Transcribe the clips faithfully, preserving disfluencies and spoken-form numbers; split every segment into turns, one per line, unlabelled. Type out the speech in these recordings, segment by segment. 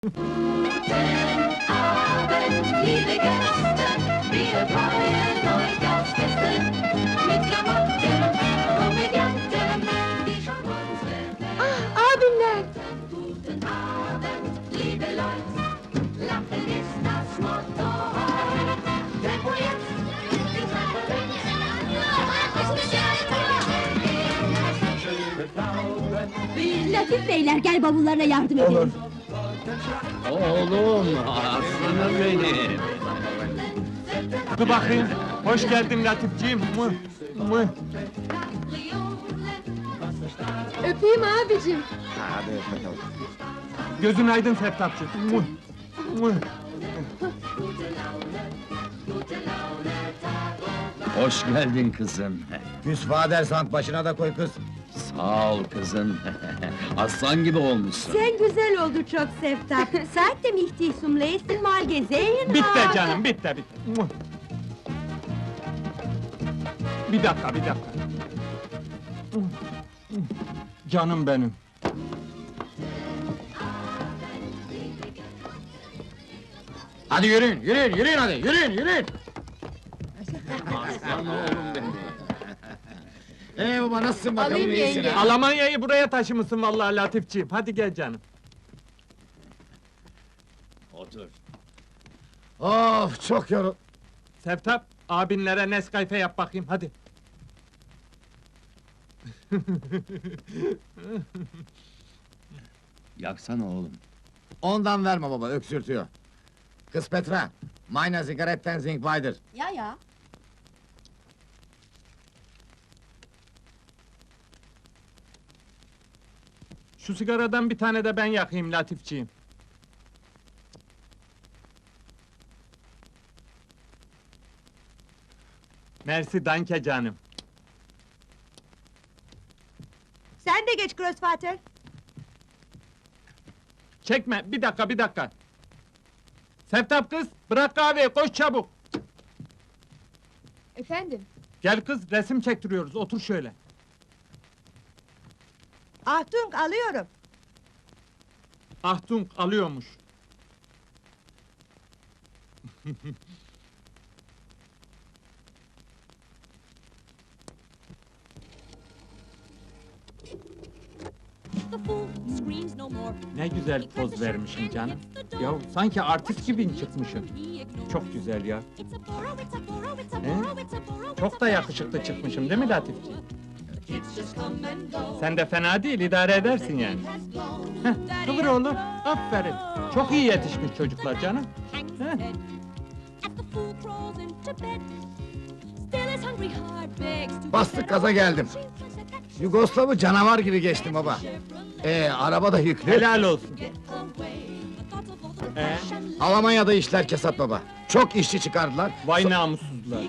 Abend, liebe Gäste, wir freuen euch aufs Beste. Mit Klamotten, Komödianten, die schon unsere
Ah, abimler!
Guten Abend, liebe Leute, Lachen ist das Motto heute. Tempo jetzt, die Treppe
Latif beyler, gel bavullarına yardım edelim.
Oğlum, aslanım benim!
Dur bakayım. Hoş geldin Latifciğim. Mı, mı.
Öpeyim abicim.
Hadi öp bakalım.
Gözün aydın Seftapçı. Mı, mı.
Hoş geldin kızım.
Müsfader sant başına da koy kız.
Sağ ol kızım. Aslan gibi olmuşsun.
Sen güzel oldu çok Seftap. Saatte mihtisum leysin mal gezeyin.
Bitti canım, bitti, bitti. Mı. Bir dakika, bir dakika. Mı, mı. Canım benim.
Hadi yürüyün, yürüyün, yürüyün hadi, yürüyün, yürüyün!
Aslan oğlum benim.
Ee baba, nasılsın bakalım,
Alayım
iyisin
yenge.
ha?
Almanya'yı buraya taşımışsın vallahi Latifciğim. Hadi gel canım.
Otur.
Of, çok yorul...
Seftap, abinlere Nescafe yap bakayım, hadi.
Yaksana oğlum.
Ondan verme baba, öksürtüyor. Kız Petra, meine Zigaretten sind weiter.
Ya ya.
Şu sigaradan bir tane de ben yakayım Latifciğim. Mersi, danke canım.
Sen de geç Grossvater.
Çekme, bir dakika, bir dakika. Seftap kız, bırak kahveyi, koş çabuk.
Efendim?
Gel kız, resim çektiriyoruz, otur şöyle.
Ahtung alıyorum.
Ahtung alıyormuş.
The fool screams no more.
Ne güzel poz vermişim canım. Ya sanki artist gibi çıkmışım. Çok güzel ya.
It's a borrow, it's a borrow, it's a
He?
borrow, it's a borrow.
Çok da yakışıklı çıkmışım değil mi Latifciğim? Sen de fena değil, idare edersin yani. Heh, kıvır oğlum, aferin. Çok iyi yetişmiş çocuklar canım.
Hangs
He?
his head as the fool crawls into bed. Still his hungry heart begs to
Bastık gaza geldim. Yugoslav'ı canavar gibi geçtim baba. Ee, araba da yüklü.
Helal olsun. Ee,
Almanya'da işler kesat baba. Çok işçi çıkardılar.
vay namussuzlar.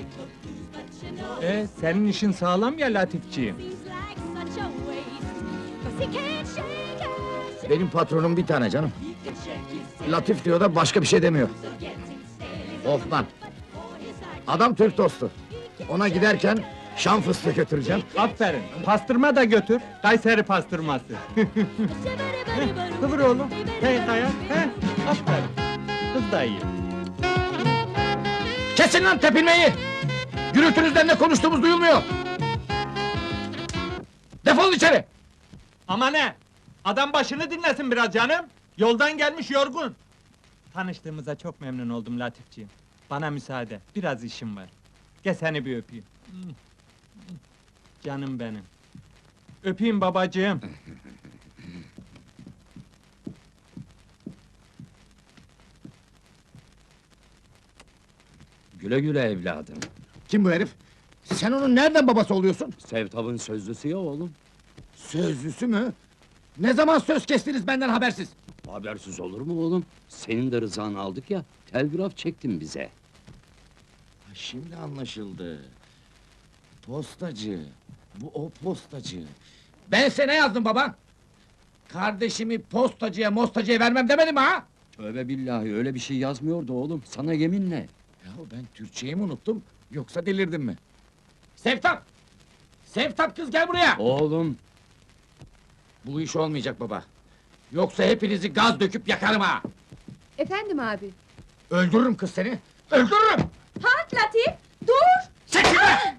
Ee, senin işin sağlam ya Latifciğim.
Seems like such a waste. 'Cause he can't shake it.
Benim patronum bir tane canım. Latif diyor da başka bir şey demiyor. Ofman. Adam Türk dostu. Ona giderken Şam fıstığı götüreceğim.
Aferin, pastırma da götür, Kayseri pastırması. Kıvır oğlum, hey kaya, he, aferin. Kız da iyi.
Kesin lan tepinmeyi! Gürültünüzden ne konuştuğumuz duyulmuyor! Defolun içeri!
Ama ne? Adam başını dinlesin biraz canım. Yoldan gelmiş yorgun. Tanıştığımıza çok memnun oldum Latifciğim. Bana müsaade, biraz işim var. Gel seni bir öpeyim. Canım benim. Öpeyim babacığım.
Güle güle evladım.
Kim bu herif? Sen onun nereden babası oluyorsun?
Sevtap'ın sözlüsü ya oğlum.
Sözlüsü mü? Ne zaman söz kestiniz benden habersiz?
Habersiz olur mu oğlum? Senin de rızanı aldık ya, telgraf çektin bize.
Şimdi anlaşıldı. Postacı. Bu o postacı. Ben sana ne yazdım baba? Kardeşimi postacıya mostacıya vermem demedim mi ha?
Tövbe billahi, öyle bir şey yazmıyordu oğlum, sana yeminle.
Ya ben Türkçeyi mi unuttum, yoksa delirdim mi? Sevtap! Sevtap kız gel buraya!
Oğlum,
Bu iş olmayacak baba. Yoksa hepinizi gaz döküp yakarım ha!
Efendim abi.
Öldürürüm kız seni! Öldürürüm!
Halt Latif! Dur!
Çekil be!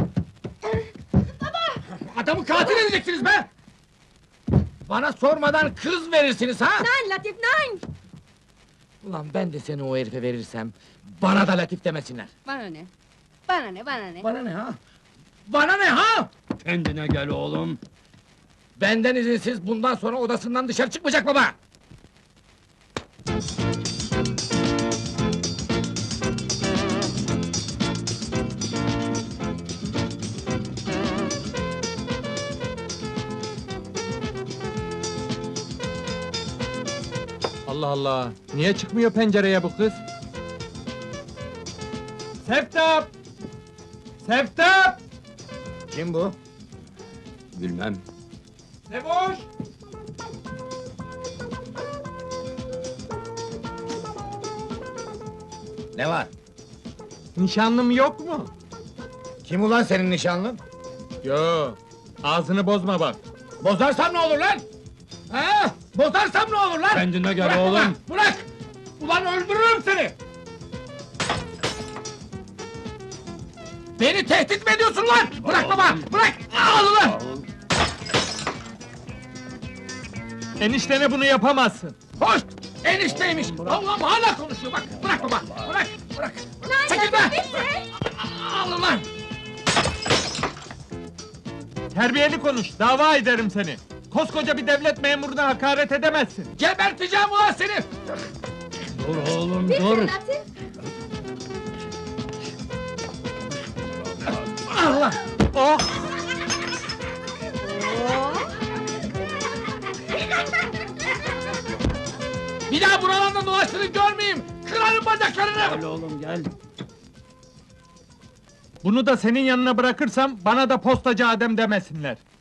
Adamı katil edeceksiniz be! Bana sormadan kız verirsiniz ha!
Nein Latif, nein!
Ulan ben de seni o herife verirsem, bana da Latif demesinler!
Bana ne? Bana ne, bana ne?
Bana ne ha? Bana ne ha?
Kendine gel oğlum.
Benden izinsiz bundan sonra odasından dışarı çıkmayacak baba!
Allah Allah! Niye çıkmıyor pencereye bu kız? Seftap! Seftap!
Kim bu?
Bilmem.
Ne boş?
Ne var?
Nişanlım yok mu?
Kim ulan senin nişanlın?
Yo. Ağzını bozma bak.
Bozarsam ne olur lan? Ha? Bozarsam ne olur lan?
Kendine gel
Bırak
oğlum.
baba, bırak! Ulan öldürürüm seni! Beni tehdit mi ediyorsun lan? Bırak baba, bırak! Al ulan!
Eniştene bunu yapamazsın.
Hoş! Enişteymiş! Allah'ım hala konuşuyor bak! Bırak baba, bırak, bırak! Çekil be! Al ulan!
Terbiyeli konuş, dava ederim seni. Koskoca bir devlet memuruna hakaret edemezsin.
Geberteceğim ulan seni!
Dur oğlum dur.
Latif!
Allah!
Oh!
Bir daha buralarda dolaştığını görmeyeyim! Kırarım bacaklarını!
Gel oğlum gel.
Bunu da senin yanına bırakırsam bana da postacı Adem demesinler.